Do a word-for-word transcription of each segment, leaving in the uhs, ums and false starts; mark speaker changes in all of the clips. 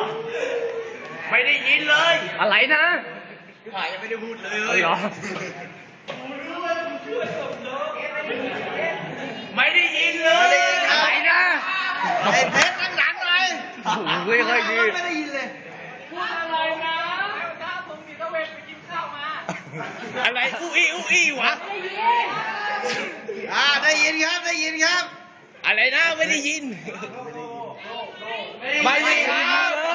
Speaker 1: ไม่ได้ยินเลย
Speaker 2: อะไรนะ
Speaker 1: หายยังไม่ได้พูดเลย
Speaker 2: เอาเหรอ
Speaker 1: ไม่ได้ยินเลย
Speaker 2: อะไรนะ
Speaker 1: ไอ้เพชรดังๆหน่อย
Speaker 2: โอ้โหไม่ค่อยดี
Speaker 1: ไม่ได้ยินเลย
Speaker 2: อะไรอู้อี้อู้อี้วะ
Speaker 1: อ่าได้ยินครับได้ยินครับ
Speaker 2: อะไรนะไม่ได้ยิน
Speaker 1: ไม่ได้ยินครับ
Speaker 2: เลย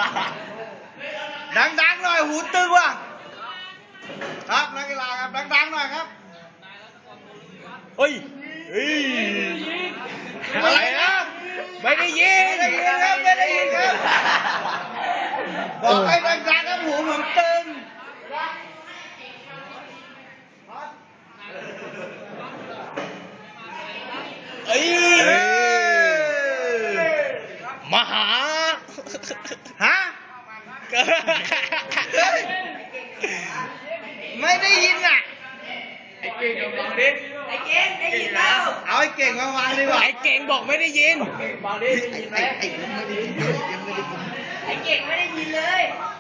Speaker 1: ดังๆหน่อยหูตึงว่ะครับนักกีฬาครับดังๆหน่อยครับ
Speaker 2: เฮ้ยเฮ้ย
Speaker 1: อะไรนะ
Speaker 2: ไม่ได้ยิน
Speaker 1: ไม่ได้ยินครับไม่ได้ยินครับบอกให้ดังๆครับหูผมตึง
Speaker 2: เอ้ย
Speaker 1: เอ้ย
Speaker 2: มหา
Speaker 1: ฮะเฮ้ยไม่ได้ยินอ่ะ
Speaker 2: ไอ้เก่งกับเราดิ
Speaker 3: ไอ้เก่งได้ยินแล้ว
Speaker 1: เอาไอ้เก่งมาวางดีกว่า
Speaker 2: ไอ้เก่งบอกไม่ได้ยิน
Speaker 1: ไอ้ไอ้ไอ้ไอ้ผมไม่ได้ยินเลยยังไม่ได้ยิน
Speaker 3: ไอ้เก่งไม่ได้ยินเลย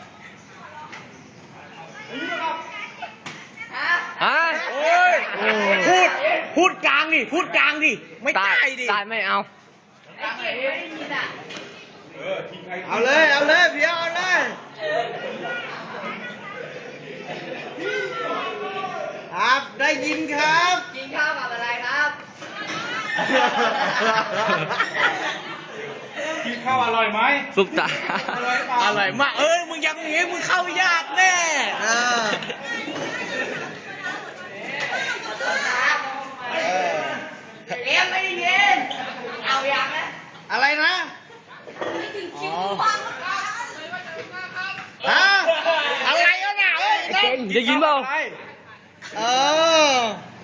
Speaker 3: ฮะ
Speaker 2: ฮะโอ้ยพูด พูดกลางดิ พูดกลางดิ ไม่ได้ดิ
Speaker 4: ตายไม่เอา
Speaker 3: ไอ้เก่งไม่ได้ยินอ่ะ
Speaker 1: เอาเลยเอาเลยเพียวเอาเลยครับได้ยินครับ
Speaker 3: กินข้าวกับอะไรครับ
Speaker 1: กินข้าวอร่อยไหม
Speaker 4: สุกตา
Speaker 1: อร่อยเปล่า
Speaker 2: อร่อยมาก เอ้ย มึงยังอย่างงี้มึงเข้ายากแน่
Speaker 1: เออ
Speaker 3: ขอโทษครับ
Speaker 1: เออ
Speaker 3: เลี้ยงไม่ได้ยิน เอาอย่างนะ
Speaker 1: อะไรนะ
Speaker 3: คิวฟัง
Speaker 1: ฮะอะไรวะน่ะเอ้ย
Speaker 4: ไอ้เก่งได้ยินเปล่า
Speaker 1: เออ